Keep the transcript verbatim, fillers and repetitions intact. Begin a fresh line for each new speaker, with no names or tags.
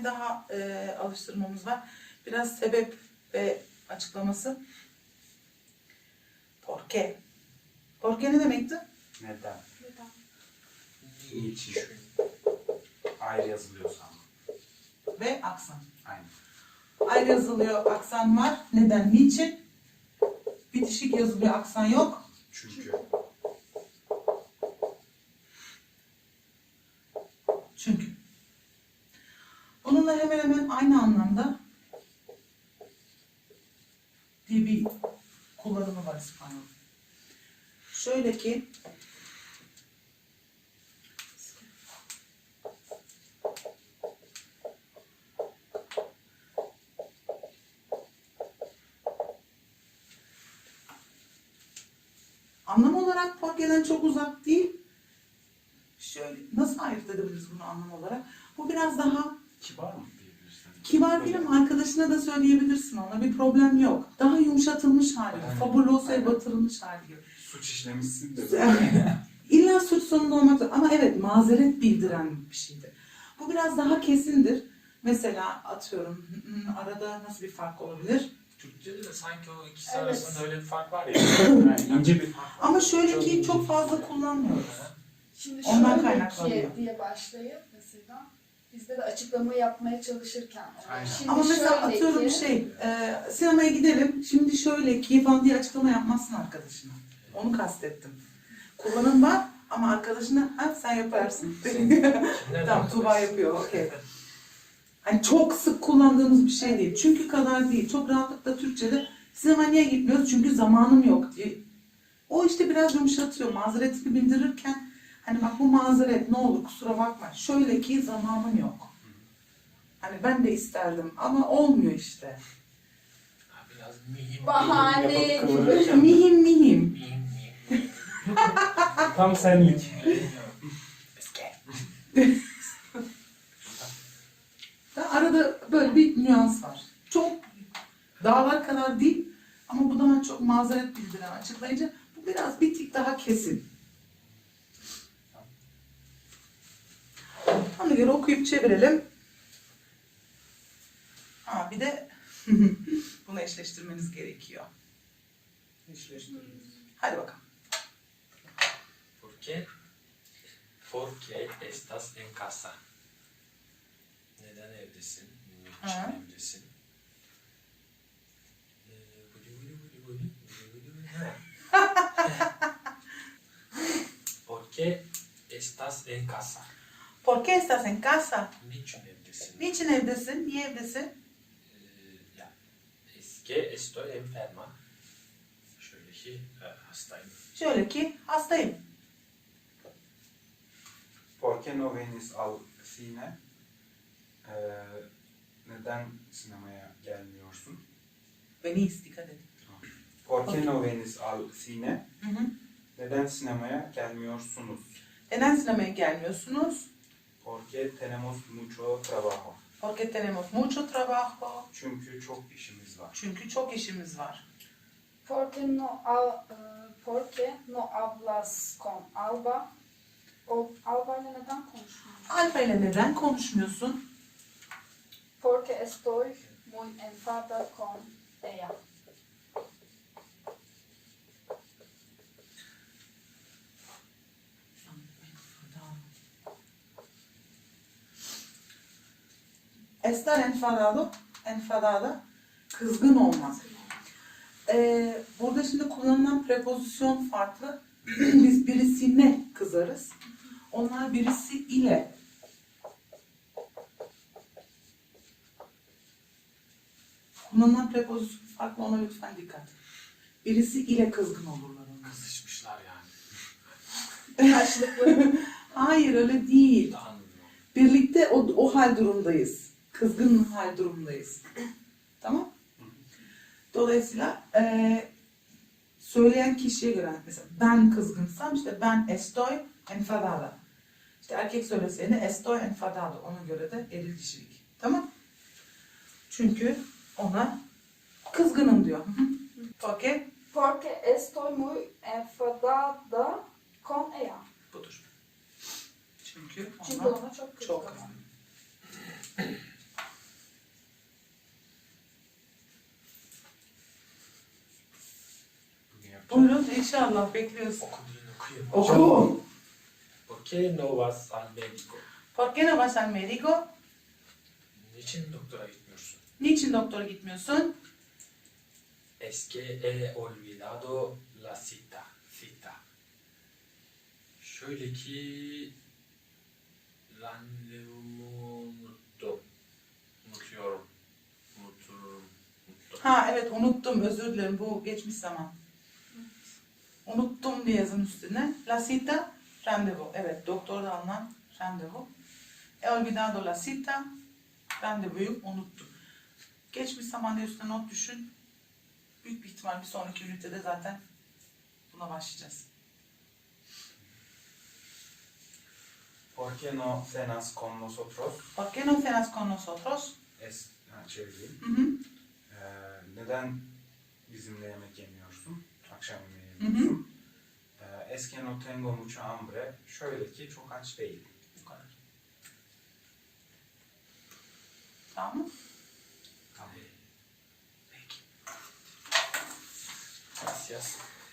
tane daha e, alıştırmamız var. Biraz sebep ve açıklaması. Porqué. Porqué ne demekti?
Neden?
Neden?
Niçin? Ayrı yazılıyorsa ama.
Ve aksan.
Aynen.
Ayrı yazılıyor, aksan var. Neden? Niçin? Bitişik yazılıyor, aksan yok.
Çünkü.
Çünkü. Bununla hemen hemen aynı anlamda diye bir kullanımı var İspanyol. Şöyle ki anlam olarak Porqué'den çok uzak değil. Şöyle nasıl ayırt edebiliriz bunu anlam olarak? Bu biraz daha
Kibar mı diyebilirsin?
kibar değil ama arkadaşına da söyleyebilirsin, ona bir problem yok. Daha yumuşatılmış hali,
Aynen.
fabulosa'ya
Aynen.
batırılmış hali gibi.
Suç işlemişsin de.
İlla suç sonunda olmak zorunda ama evet mazeret bildiren bir şeydir. Bu biraz daha kesindir. Mesela atıyorum hmm, arada nasıl bir fark olabilir?
Türkçe'de de sanki o ikisi
Evet.
arasında öyle bir fark var ya.
Yani ince bir fark var.
Ama şöyle
Çok
ki
ince
çok
bir
fazla
fark.
kullanmıyoruz.
Şimdi
Ondan
şöyle
kaynaklanıyor.
ki diye başlayıp mesela bizde de açıklama yapmaya çalışırken.
Aynen.
Şimdi
Ama mesela
şöyle
atıyorum
ki,
şey, e, sinemaya gidelim, şimdi şöyle ki falan diye açıklama yapmazsın arkadaşına. Onu kastettim. Kullanım var ama arkadaşına ha sen yaparsın. Tamam, Tuğba yapıyor, okey. Hani çok sık kullandığımız bir şey değil. Çünkü kadar değil. Çok rahatlıkla Türkçe'de sinemaya niye gitmiyoruz? Çünkü zamanım yok diye. O işte biraz yumuşatıyor. Mazeretini bildirirken hani bak bu mazeret ne olur kusura bakma. Şöyle ki zamanım yok. Hani ben de isterdim ama olmuyor işte.
Ha, biraz mihim.
bahane
Yapıp
gibi.
kıvırırken.
Mihim mihim.
Mihim mihim.
Tam senlik.
Da arada böyle bir nüans var. Çok dağlar kadar değil ama bu daha çok mazeret bildiren açıklayıcı. Bu biraz bir tık daha kesin. Ona göre okuyup çevirelim. Ha bir de bunu eşleştirmeniz gerekiyor. Eşleştirmeniz. Hadi bakalım.
¿Por qué? Porque estás en casa. Neden evdesin?
Ha.
Niçin evdesin? Ee, buli buli buli buli, buli buli buli. Ha. ¿Por qué estás en casa?
¿Por qué estás en casa?
Niçin evdesin?
Niçin evdesin? Niye evdesin?
Ee, ya, es que estoy enferma. Şöyle ki e, hastayım.
Şöyle ki hastayım.
¿Por qué no vienes al cine? Ee, neden sinemaya gelmiyorsun?
Venís, dikkat edin.
¿Por qué no vienes al cine?
Hı hı.
Neden sinemaya gelmiyorsunuz?
Neden sinemaya gelmiyorsunuz?
Porque tenemos mucho trabajo.
Porque tenemos mucho trabajo.
Çünkü çok işimiz var.
Çünkü çok işimiz var.
Porque no, al, e, porque no hablas con Alba. O Alba ile neden konuşmuyorsun?
Alfa ile neden konuşmuyorsun?
Porque estoy muy enfadada con ella.
Estar enfadado, enfadada, kızgın olmak. Ee, burada şimdi kullanılan prepozisyon farklı. Biz birisine kızarız. Onlar birisi ile. Kullanılan prepozisyon farklı, ona lütfen dikkat. Birisi ile kızgın olurlar onlar.
Kızışmışlar yani.
Karşılıklı.
Hayır öyle değil.
Daha anlıyorum.
Birlikte o, o hal durumdayız. Kızgın hal durumdayız. Tamam? Dolayısıyla eee söyleyen kişiye göre mesela ben kızgınsam işte ben estoy enfadada. İşte erkek söyleseydi estoy enfadado. Ona göre de eril kişilik. Tamam? Çünkü ona kızgınım diyor. Okey?
Porque estoy muy enfadada con ella.
Budur. Çünkü
Çünkü
ona
ona çok
çok
kızgınım.
kızgın. Buyurun inşallah bekliyoruz.
Okudun okuyun.
Oku.
¿Por qué no vas al médico?
¿Por qué no vas al médico?
Niçin doktora gitmiyorsun?
Niçin doktora gitmiyorsun?
Es que he olvidado la cita. Cita. Şöyle ki randevumu unuttum. Unutuyorum. Unuturum. Unuttum.
Ha evet unuttum özür dilerim bu geçmiş zaman. Unuttum diye yazın üstüne. La cita randevu. Evet doktorda alınan randevu. He olvidado la cita randevuyu unuttum. Geçmiş zaman diye üstüne not düşün. Büyük bir ihtimal bir sonraki ünitede zaten buna başlayacağız.
¿Por qué no cenas con nosotros?
¿Por qué no cenas con nosotros?
Es, ha, çevireyim.
Hı hı.
Ee, neden bizimle yemek yemiyorsun? Akşam yemeği
Hı hı.
yemiyorsun. Ee, es que no tengo mucha hambre. Şöyle ki çok aç değilim.
Bu kadar. Tamam mı?
Tamam.
Peki. Gracias.